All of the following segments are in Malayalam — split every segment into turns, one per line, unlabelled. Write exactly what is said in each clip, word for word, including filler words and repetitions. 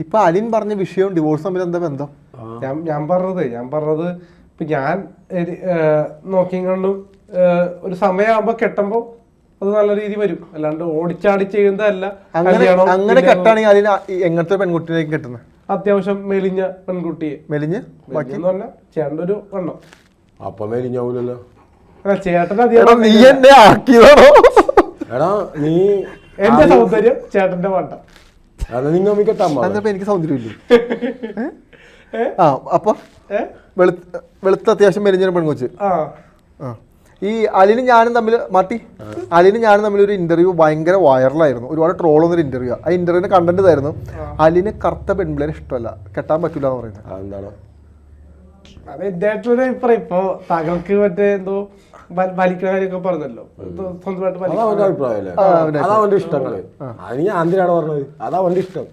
ഇപ്പൊ അലിൻ പറഞ്ഞ വിഷയവും ഡിവോഴ്സ് തമ്മിൽ എന്താ ബന്ധം?
ഞാൻ ഞാൻ പറഞ്ഞത് ഞാൻ പറഞ്ഞത് ഇപ്പൊ ഞാൻ നോക്കിയും കണ്ടും ഒരു സമയമാകുമ്പോ കെട്ടുമ്പോ അത് നല്ല രീതി വരും, അല്ലാണ്ട് ഓടിച്ചാടി ചെയ്യുന്നതല്ല.
അങ്ങനെ കെട്ടാണെങ്കിൽ അതിന് എങ്ങനത്തെ പെൺകുട്ടിയിലേക്ക് കെട്ടുന്നത്?
അത്യാവശ്യം മെലിഞ്ഞ പെൺകുട്ടിയെ.
മെലിഞ്ഞ്
എന്ന് പറഞ്ഞാൽ ചേട്ടൻ്റെ ഒരു വണ്ണം.
അപ്പൊ മെലിഞ്ഞാവൂലല്ലോ
ചേട്ടൻ
നീ എന്നെ ആക്കിയതാണോ?
എടാ നീ
എന്റെ സൗന്ദര്യം ചേട്ടന്റെ വണ്ണം.
എനിക്ക് സൗന്ദര്യം ഇല്ലേ? ആ അപ്പൊ വെളുത്ത അത്യാവശ്യം മെലിഞ്ഞൊരു പെൺകൊച്ച്. ഈ അലിനും ഞാനും തമ്മിൽ മാറ്റി അലിനും ഞാനും തമ്മിൽ ഒരു ഇന്റർവ്യൂ ഭയങ്കര വൈറലായിരുന്നു, ഒരുപാട് ട്രോൾ വന്നൊരു ഇന്റർവ്യൂ. ആ ഇന്റർവ്യൂവിന്റെ കണ്ടന്റ് ഇതായിരുന്നു, അലിന് കറുത്ത പെൺപിള്ളേരെ ഇഷ്ടമല്ല, കെട്ടാൻ പറ്റൂല എന്ന് പറയുന്നത്.
എന്താണ്
അത് ഇദ്ദേഹത്തിലൊരു അഭിപ്രായം. ഇപ്പൊ താങ്കൾക്ക് മറ്റേ എന്തോ വലിക്കുന്ന കാര്യമൊക്കെ പറഞ്ഞല്ലോ, സ്വന്തമായിട്ട്
അഭിപ്രായമല്ലേ, അതാ അവന്റെ ഇഷ്ടങ്ങള്. അത് ഞാൻ എന്തിനാണ് പറഞ്ഞത്? അതാ അവന്റെ ഇഷ്ടം.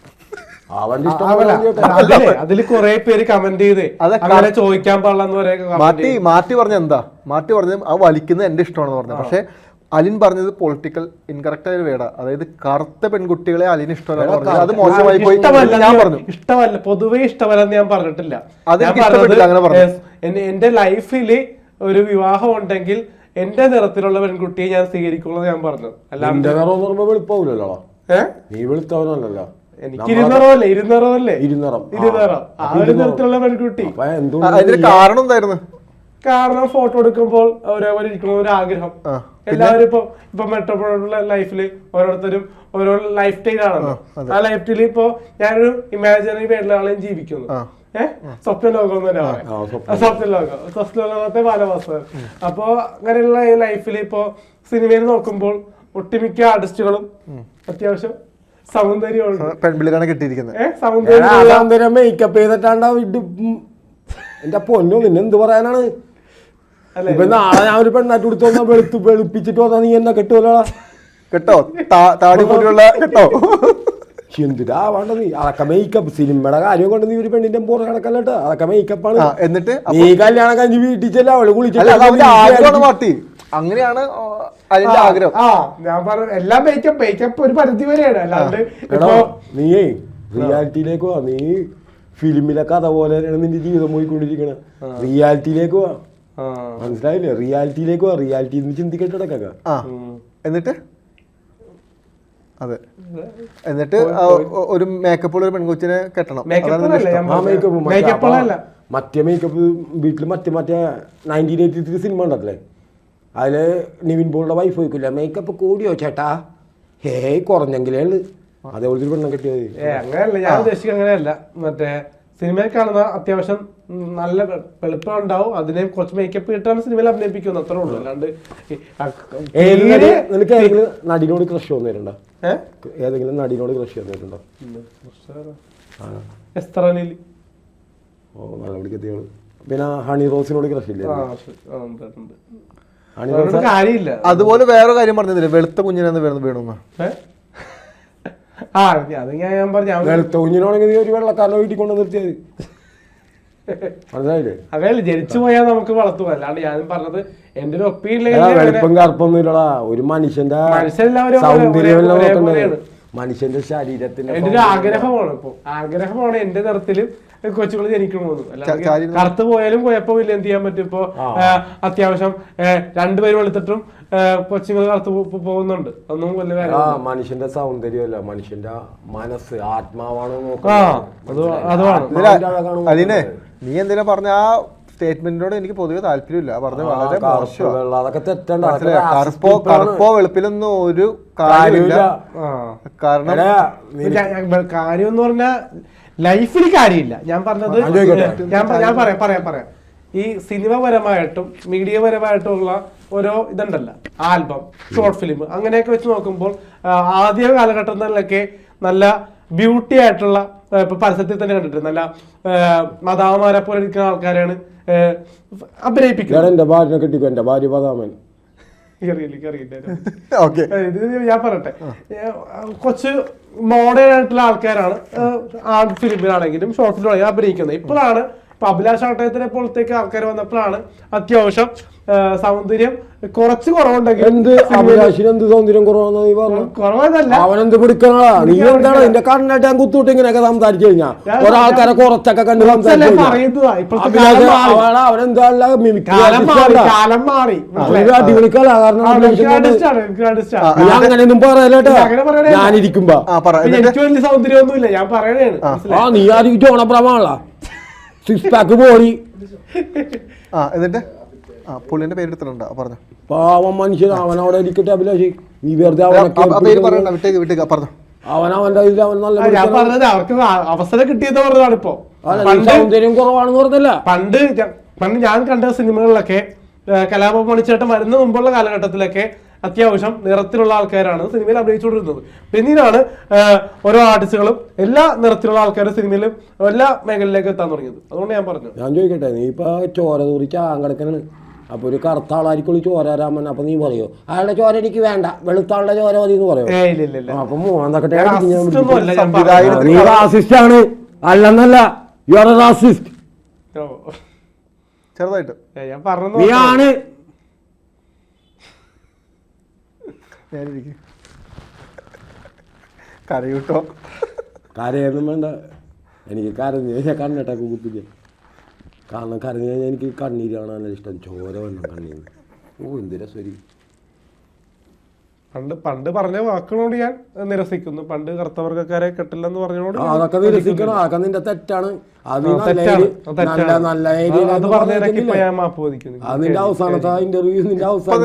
അതിൽ കുറെ പേര് കമന്റ് ചെയ്ത് അങ്ങനെ ചോദിക്കാൻ പാടില്ലെന്ന്
മാറ്റി മാറ്റി പറഞ്ഞ എന്താ മാറ്റി പറഞ്ഞത് ആ വലിക്കുന്നത് എന്റെ ഇഷ്ടമാണെന്ന് പറഞ്ഞത്. പക്ഷെ അലിൻ പറഞ്ഞത് പൊളിറ്റിക്കൽ ഇൻകറക്റ്റ് ആയ വേട, അതായത് കറുത്ത പെൺകുട്ടികളെ അലിന് ഇഷ്ടമല്ല, അത് മോശമായി പോയി. ഞാൻ പറഞ്ഞു
ഇഷ്ടമല്ല, പൊതുവെ ഇഷ്ടമല്ലെന്ന് ഞാൻ പറഞ്ഞിട്ടില്ല. എന്റെ ലൈഫില് ഒരു വിവാഹം ഉണ്ടെങ്കിൽ എന്റെ നിറത്തിലുള്ള പെൺകുട്ടിയെ ഞാൻ സ്വീകരിക്കുള്ളൂ ഞാൻ പറഞ്ഞത്.
അല്ലാണ്ട് നീ വെളുത്തവനല്ലോ,
എനിക്ക് ഇരുന്നറല്ലേ ഇരുന്നറല്ലേ ഇരുന്നറം ഇരുന്നറം ആ ഒരു നിറത്തിലുള്ള പെൺകുട്ടി.
കാരണം എന്തായിരുന്നു?
കാരണം ഫോട്ടോ എടുക്കുമ്പോൾ ഒരേപോലെ ഇരിക്കണ ഒരു ആഗ്രഹം. എല്ലാവരും ഇപ്പൊ ഇപ്പൊ മെട്രോപോളിറ്റൻ ലൈഫില് ഓരോരുത്തരും ഓരോ ലൈഫ് സ്റ്റൈൽ ആണല്ലോ. ആ ലൈഫ് സ്റ്റൈലിൽ ഇപ്പൊ ഞാനൊരു ഇമാജിനറി വേറൊരാളെയും ജീവിക്കുന്നു. ഏഹ് സ്വപ്ന ലോകം എന്ന് തന്നെ പറയാം. സ്വപ്ന ലോകം സ്വപ്ന ലോകത്തെ ബാലഭാസ്കർ. അപ്പൊ അങ്ങനെയുള്ള ഈ ലൈഫിൽ ഇപ്പൊ സിനിമയിൽ നോക്കുമ്പോൾ ഒട്ടുമിക്ക ആർട്ടിസ്റ്റുകളും അത്യാവശ്യം സൗന്ദര്യമുണ്ട്.
പെൺപിള്ളേരാണ് കിട്ടിയിരിക്കുന്നത്.
സൗന്ദര്യം മേക്കപ്പ് ചെയ്തിട്ടാണ്ടാ എന്റെ പൊന്നോ, നിന്നെ എന്ത് പറയാനാണ്? ഇപ്പൊ നാളെ ഞാൻ ഒരു പെണ്ണായിട്ട് കൊടുത്തു വന്നാ വെളുത്ത് വെളുപ്പിച്ചിട്ട് വന്നാ നീ എന്നെ കെട്ടുമല്ലോ
കേട്ടോ, താടി കൂടിയുള്ള കേട്ടോ.
എന്തിനാ വേണ്ട നീ അതൊക്കെ മേക്കപ്പ്. സിനിമയുടെ കാര്യം കൊണ്ട് നീ ഒരു പെണ്ണിന്റെ പുറ കിടക്കല്ലോ, അതൊക്കെ മേക്കപ്പാണ്.
എന്നിട്ട്
നീ കല്യാണം കഴിഞ്ഞ് വീട്ടിൽ ചെല്ലാം, അവള് കുളിച്ചിട്ട്
അങ്ങനെയാണ് അതിന്റെ ആഗ്രഹം.
ആ ഞാൻ പറഞ്ഞു എല്ലാം മേക്കപ്പ് മേക്കപ്പ് ഒരു പരിധി വരെയാണ്. അല്ലാണ്ട്
നീയേ റിയാലിറ്റിയിലേക്ക് പോവാ. നീ ഫിലിമിലെ കഥ പോലെ നിന്റെ ജീവിതം പോയിക്കൊണ്ടിരിക്കണ. റിയാലിറ്റിയിലേക്ക് പോവാ, മനസ്സിലായില്ലേ? റിയാലിറ്റിയിലേക്ക് പോവാ. റിയാലിറ്റി ചിന്തിക്കട്ടടക്ക.
എന്നിട്ട് അതെ എന്നിട്ട് ഒരു മേക്കപ്പുള്ള ഒരു പെൺകൊച്ചിനെ കെട്ടണം.
മറ്റേ മേക്കപ്പ് വീട്ടില് മറ്റേ മറ്റേ നയൻറ്റീൻ എയ്റ്റി ത്രീ സിനിമ ഉണ്ടല്ലേ, അതില് നിവിൻ പോളിയുടെ വൈഫ് ചോദിക്കില്ല മേക്കപ്പ് കൂടിയോ ചേട്ടാ, ഹേയ് കുറഞ്ഞെങ്കിലേ ഉള്ളു. അതേപോലത്തെ ഒരു പെണ്ണം കെട്ടിയത്.
ഏ അങ്ങനെയല്ല ഞാൻ ഉദ്ദേശിക്കുക, അങ്ങനെയല്ല. മറ്റേ സിനിമയിൽ കാണുന്ന അത്യാവശ്യം നല്ല വെളുപ്പം ഉണ്ടാവും, അതിനെ കുറച്ച് മേക്കപ്പ് കിട്ടാണ് സിനിമയിൽ അഭിനയിപ്പിക്കുന്നത്, അത്രേ ഉള്ളൂ. അല്ലാണ്ട്
നിനക്ക് ഏതെങ്കിലും നടിനോട് ക്രഷ് വന്നിട്ടുണ്ടോ? ഏതെങ്കിലും നടിനോട് ക്രഷ് വന്നിട്ടുണ്ടോ? ഓ നല്ല പിടിക്കത്തിയോള്. പിന്നെ ഹണി റോസിനോട് ക്രഷ് ഇല്ലേ?
അതുപോലെ വേറെ കാര്യം പറഞ്ഞില്ലേ, വെളുത്ത കുഞ്ഞിനെന്ന് വേണം വേണമെന്ന്.
ആ അത് ഞാൻ പറഞ്ഞു,
വെളുത്ത കുഞ്ഞിനാണെങ്കിൽ നീ ഒരു വെള്ളക്കാരനെ വീട്ടിൽ കൊണ്ട് നിർത്തിയത് മനസ്സിലായില്ലേ?
അതല്ല ജനിച്ചു പോയാൽ നമുക്ക് വളർത്തുക. അല്ലാണ്ട് ഞാനും പറഞ്ഞത് എന്റെ ഒരു ഒപ്പീനിയൻ.
വെളുപ്പം കറുപ്പൊന്നും ഇല്ലടാ, ഒരു മനുഷ്യന്റെ സൗന്ദര്യം മനുഷ്യന്റെ ശരീരത്തിന്റെ
എന്റെ ഒരു ആഗ്രഹമാണ്. ഇപ്പൊ ആഗ്രഹമാണ് എന്റെ നിറത്തിലും കൊച്ചുകൾ ജനിക്കണമെന്ന്. അല്ലാതെ കറുത്ത് പോയാലും കുഴപ്പമില്ല, എന്ത് ചെയ്യാൻ പറ്റും. ഇപ്പൊ അത്യാവശ്യം രണ്ടുപേരും വെളുത്തിട്ടും കൊച്ചുങ്ങൾ കറുത്ത് പോകുന്നുണ്ട്, ഒന്നും വലിയ കാര്യം.
മനുഷ്യന്റെ സൗന്ദര്യമല്ല, മനുഷ്യന്റെ മനസ്സ് ആത്മാവാണോ
നോക്കുന്നത്. അതിനെ നീ എന്തിനാ പറഞ്ഞ ആ സ്റ്റേറ്റ്മെന്റിനോട് എനിക്ക് പൊതുവെ താല്പര്യമില്ല. പറഞ്ഞ വളരെ കറുപ്പോ കറുപ്പോ വെളുപ്പിലൊന്നും ഒരു കാര്യമില്ല. കാരണം
കാര്യം എന്ന് പറഞ്ഞാൽ ലൈഫിൽ കാര്യമില്ല. ഞാൻ പറഞ്ഞത് ഞാൻ ഞാൻ പറയാം പറയാം പറയാം ഈ സിനിമ പരമായിട്ടും മീഡിയ പരമായിട്ടുള്ള ഓരോ ഇതുണ്ടല്ലോ, ആൽബം, ഷോർട്ട് ഫിലിം, അങ്ങനെയൊക്കെ വെച്ച് നോക്കുമ്പോൾ ആദ്യ കാലഘട്ടങ്ങളിലൊക്കെ നല്ല ബ്യൂട്ടി ആയിട്ടുള്ള ഇപ്പൊ പരസ്യത്തിൽ തന്നെ കണ്ടിട്ട് നല്ല മദാമാരെ പോലെ ഇരിക്കുന്ന ആൾക്കാരാണ് അഭിനയിപ്പിക്കുന്നത്. ഞാൻ പറയട്ടെ, കുറച്ച് മോഡേൺ ആയിട്ടുള്ള ആൾക്കാരാണ് ഫിലിമിലാണെങ്കിലും ഷോർട്ട് ഫിലിമാണെങ്കിലും അഭിനയിക്കുന്നത്. ഇപ്പോഴാണ് ഇപ്പൊ അഭിലാഷ് ആട്ടയത്തിനെ പോലത്തേക്ക് ആൾക്കാർ വന്നപ്പോഴാണ് അത്യാവശ്യം സൗന്ദര്യം കുറച്ച് കുറവുണ്ടെങ്കിൽ
എന്ത് അഭിലാഷിന് എന്ത് സൗന്ദര്യം കുറവാണെന്ന് നീ പറഞ്ഞു?
കുറവല്ല,
അവനെന്ത് പിടിക്കണാ നീ എന്താണ് നിന്റെ കണ്ണായിട്ട് ഞാൻ കുത്തുവിട്ട് ഇങ്ങനെയൊക്കെ സംസാരിച്ചു കഴിഞ്ഞാ ഒരാൾക്കാരെ കുറച്ചൊക്കെ കണ്ട് സംസാരിച്ചു അവനെന്താ അടിപൊളി കലാകാരൻ അങ്ങനെയൊന്നും പറയലേട്ടാ ഞാനിരിക്കുമ്പോ.
എനിക്ക് വലിയ സൗന്ദര്യമൊന്നുമില്ല, ഞാൻ പറയണേണ്.
ആ നീ ആരും ചോണപ്രമാണല്ല സിക്സ് പാക്ക് ബോഡി.
എന്നിട്ട് പുള്ളിന്റെ പേരെടുത്തിട്ടുണ്ടോ പറഞ്ഞു?
പാവം മനുഷ്യൻ അവനവിടെ ഇരിക്കട്ടെ അഭിലാഷ്, നീ വെറുതെ അവനവന്റെ അവൻ നല്ല
ഞാൻ പറഞ്ഞത് അവർക്ക് അവസരം കിട്ടിയെന്ന് പറഞ്ഞതാണ്. ഇപ്പൊ
സൗന്ദര്യം കുറവാണെന്ന് പറഞ്ഞല്ല.
പണ്ട് പണ്ട് ഞാൻ കണ്ട സിനിമകളിലൊക്കെ കലാപ മണിച്ചേട്ടൻ വരുന്ന മുമ്പുള്ള കാലഘട്ടത്തിലൊക്കെ അത്യാവശ്യം നിറത്തിലുള്ള ആൾക്കാരാണ് സിനിമയിൽ അഭിനയിച്ചുകൊണ്ടിരുന്നത്. പിന്നീടാണ് ഓരോ ആർട്ടിസ്റ്റുകളും എല്ലാ നിറത്തിലുള്ള ആൾക്കാരും സിനിമയിലും എല്ലാ മേഖലയിലേക്ക് എത്താൻ തുടങ്ങിയത്. അതുകൊണ്ട് ഞാൻ പറഞ്ഞു.
ഞാൻ ചോദിക്കട്ടെ, നീ ഇപ്പൊ ചോര തൂറിച്ച് ആങ്കടക്കനാണ്, അപ്പൊ ഒരു കറുത്ത ആളായിരിക്കും ചോരാരാമൻ, അപ്പൊ നീ പറയോ അയാളുടെ ചോര എനിക്ക് വേണ്ട, വെളുത്താളുടെ ചോര മതി എന്ന് പറയോ? അപ്പൊ മൂന്നാക്കട്ടെ നീ റാസിസ്റ്റ് ആണ്. അല്ലെന്നല്ല, യു ആർ എ റാസിസ്റ്റ്.
ചെറുതായിട്ട്
ഞാൻ പറഞ്ഞു
നീ ആണ്.
കരയൂട്ടോ?
കരയൊന്നും വേണ്ട, എനിക്ക് കരഞ്ഞു കഴിഞ്ഞാൽ കണ്ണിട്ടൊക്കെ കുത്തില്ല. കാരണം കരഞ്ഞു കഴിഞ്ഞാൽ എനിക്ക് കണ്ണീര് കാണാനുള്ള ഇഷ്ടം, ചോര വന്നു കണ്ണീര്. ഓ എന്തിനാ ശരി.
പണ്ട് പണ്ട് പറഞ്ഞ വാക്കുകളോട് ഞാൻ നിരസിക്കുന്നു. പണ്ട് കറുത്തവർഗക്കാരെ കെട്ടില്ലെന്ന് പറഞ്ഞോട്
അതൊക്കെ നിരസിക്കണം, അതൊക്കെ നിന്റെ തെറ്റാണ്. അത് നല്ല അതിന്റെ അവസാനത്തെ ഇന്റർവ്യൂ നിന്റെ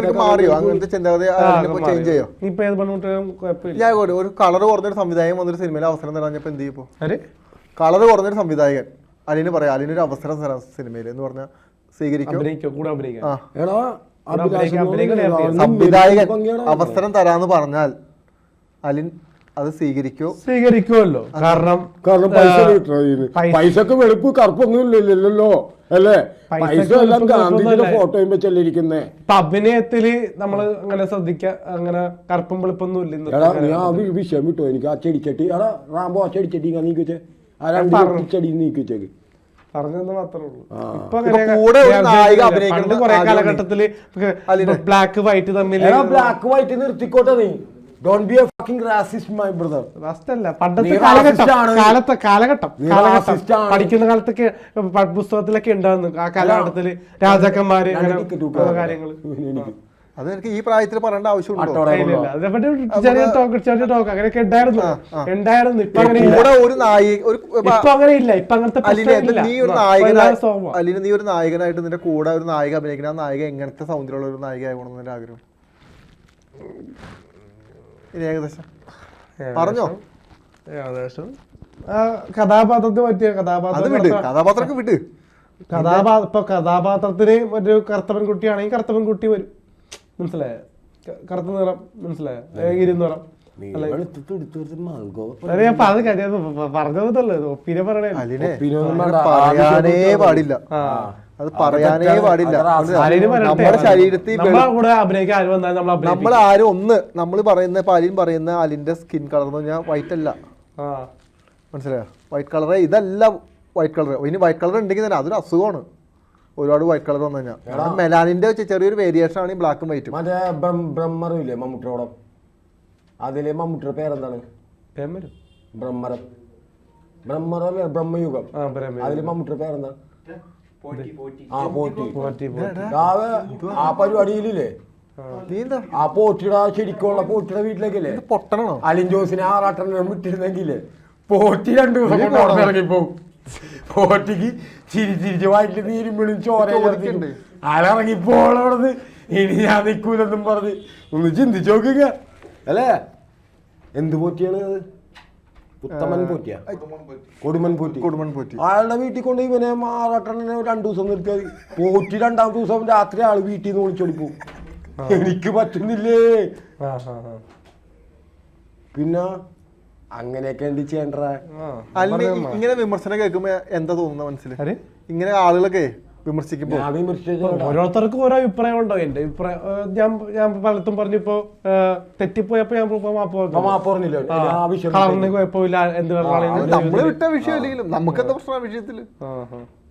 ഞാൻ ഒരു കളർ കുറഞ്ഞൊരു സംവിധായകൻ വന്നൊരു സിനിമയിൽ അവസരം തരാഞ്ഞപ്പോ എന്ത് ചെയ്യും? കളർ കുറഞ്ഞൊരു സംവിധായകൻ അലിന് പറയാം, അലിനൊരു അവസരം തരാം സിനിമയിൽ എന്ന് പറഞ്ഞാൽ സ്വീകരിക്കും. സംവിധായകൻ അവസരം തരാന്ന് പറഞ്ഞാൽ അലിൻ അത് സ്വീകരിക്കോ?
സ്വീകരിക്കുമല്ലോ. കാരണം
കാരണം പൈസ പൈസക്ക് വെളുപ്പ് കറുപ്പൊന്നും ഇല്ലല്ലോ അല്ലേ? പൈസ എല്ലാം ഗാന്ധിജിയുടെ ഫോട്ടോയും വെച്ചല്ലേ ഇരിക്കുന്നേ.
ഇപ്പൊ അഭിനയത്തില് നമ്മള് അങ്ങനെ ശ്രദ്ധിക്ക, അങ്ങനെ കറുപ്പും വെളുപ്പൊന്നും ഇല്ല.
എടാ നീ ആ വിഷയം വിട്ടോ, എനിക്ക് ആ ചെടിച്ചട്ടി എടാ റാമ്പോ ആ ചെടിച്ചട്ടി നീക്കിവെച്ചേ, ആ രണ്ട് ചെടി നീക്കിവെച്ചേക്ക്
പറഞ്ഞെന്ന് മാത്രമേ ഉള്ളൂ.
പണ്ട്
കുറെ കാലഘട്ടത്തില് ബ്ലാക്ക് വൈറ്റ് തമ്മിൽ
ബ്ലാക്ക് വൈറ്റ് നിർത്തിക്കോട്ടെ നീ. Don't be a fucking racist, my brother.
റാസ്റ്റല്ല, പണ്ടത്തെ കാലഘട്ടം കാലത്തെ കാലഘട്ടം കാലഘട്ടം പഠിക്കുന്ന കാലത്തൊക്കെ പുസ്തകത്തിലൊക്കെ ഉണ്ടായിരുന്നു. ആ കാലഘട്ടത്തില് രാജാക്കന്മാര് കാര്യങ്ങള്
അത് എനിക്ക് ഈ പ്രായത്തിൽ പറയേണ്ട ആവശ്യമുണ്ടോ?
അതേപറ്റി ചെറിയ ടോക്ക് ചെറിയ ടോക്ക് അങ്ങനെയൊക്കെ ഉണ്ടായിരുന്നു ഉണ്ടായിരുന്നു ഇപ്പൊ അങ്ങനെ
ഒരു നായിക
ഇപ്പൊ അങ്ങനെ ഇല്ല. ഇപ്പൊ അങ്ങനത്തെ
നീ ഒരു നായകനായി അല്ലെങ്കിൽ നീ ഒരു നായകനായിട്ട് നിന്റെ കൂടെ ഒരു നായിക അഭിനയിക്കുന്ന ആ നായിക എങ്ങനത്തെ സൗന്ദര്യമുള്ള ഒരു നായിക ആകണമെന്ന് എന്റെ ആഗ്രഹം. ഏകദേശം പറഞ്ഞോ?
ഏകദേശം കഥാപാത്രത്തിന് പറ്റിയ കഥാപാത്രം
കഥാപാത്രമൊക്കെ വിട്ട്
കഥാപാത്ര ഇപ്പൊ കഥാപാത്രത്തിന് ഒരു കറുത്ത പെൺകുട്ടിയാണെങ്കിൽ കറുത്ത പെൺകുട്ടി വരും. മനസ്സിലായ? കറുത്ത നിറം മനസ്സിലായ? ഇരുനിറം പറഞ്ഞതല്ലേ ഒപ്പിനെ പറയണേ.
പറയാനേ പാടില്ല, അത് പറയാനേ പാടില്ല. നമ്മുടെ ശരീരത്തിൽ നമ്മൾ ആരും ഒന്ന് നമ്മൾ പറയുന്ന ഇപ്പൊ അലിൻ പറയുന്ന അലിന്റെ സ്കിൻ കളർ എന്ന് പറഞ്ഞാൽ വൈറ്റ് അല്ല, മനസ്സിലായോ? വൈറ്റ് കളർ ഇതല്ല വൈറ്റ് കളർ. ഇനി വൈറ്റ് കളർ ഉണ്ടെങ്കിൽ തന്നെ അതൊരു അസുഖമാണ്. ഒരുപാട് വൈറ്റ് കളർ വന്നു കഴിഞ്ഞാൽ മെലാനിന്റെ ചെറിയൊരു വേരിയേഷൻ ആണ് ഈ ബ്ലാക്കും വൈറ്റും.
മറ്റേ ബ്രഹ്മറില്ലേ മമ്മൂട്ടിയോളം, അതിലെ മമ്മൂട്ടിയുടെ പേരെന്താണ്? ബ്രഹ്മരം ബ്രഹ്മറല്ലേ ബ്രഹ്മയുഗം, അതിലെ മമ്മൂട്ടിയുടെ പേരെന്താ? ആ പോറ്റി. ആ പരിപാടിയിലില്ലേ ആ പോറ്റിയുടെ ശരിക്കുള്ള പോറ്റിയുടെ വീട്ടിലേക്കല്ലേ
പൊട്ടണോ
അലിൻ ജോസിനെ ആറാട്ടെണ്ണം വിട്ടിരുന്നെങ്കിലേ പോറ്റി രണ്ടു ദിവസം കൊണ്ട് ഇറങ്ങിപ്പോവും. പോറ്റിക്ക് ചിരി ചിരിച്ച് വയറ്റിൽ നീരും വീണും ചോര ആളിറങ്ങിപ്പോളോടത് ഇനി ഞാൻ നിൽക്കൂലെന്നും പറഞ്ഞ് ഒന്ന് ചിന്തിച്ചു നോക്കുക അല്ലേ? എന്ത് പോറ്റിയാണ് അത്? ഉത്തമൻ പോറ്റിയാ? കൊടുമൻ പോറ്റി.
കൊടുമൻ പോറ്റി.
ആളുടെ വീട്ടിൽ കൊണ്ട് ഇവനെ മാറാട്ടനെ രണ്ടു ദിവസം നിർത്തിയാൽ പോറ്റി രണ്ടാമത്തെ ദിവസം രാത്രി ആള് വീട്ടിൽ നിന്ന് വിളിച്ചോടി പോവും. എനിക്ക് പറ്റുന്നില്ലേ. പിന്നെ അങ്ങനെയൊക്കെ എന്ത് ചെയ്യണ്ട.
ഇങ്ങനെ വിമർശനം കേൾക്കുമ്പോ എന്താ തോന്നുന്ന മനസ്സിൽ? ഇങ്ങനെ ആളുകളൊക്കെ വിമർശിക്കുമ്പോ
ഓരോരുത്തർക്കും ഓരോ അഭിപ്രായം ഉണ്ടോ? എന്റെ അഭിപ്രായം ഞാൻ ഞാൻ പലത്തും പറഞ്ഞിപ്പോ തെറ്റിപ്പോയപ്പോ ഞാൻ
മാപ്പ് പറഞ്ഞില്ല.
കളറിന് കുഴപ്പമില്ല എന്ത്
നമ്മള് വിട്ട വിഷയം അല്ലെങ്കിലും നമുക്ക് എന്താ പ്രശ്നം വിഷയത്തില്?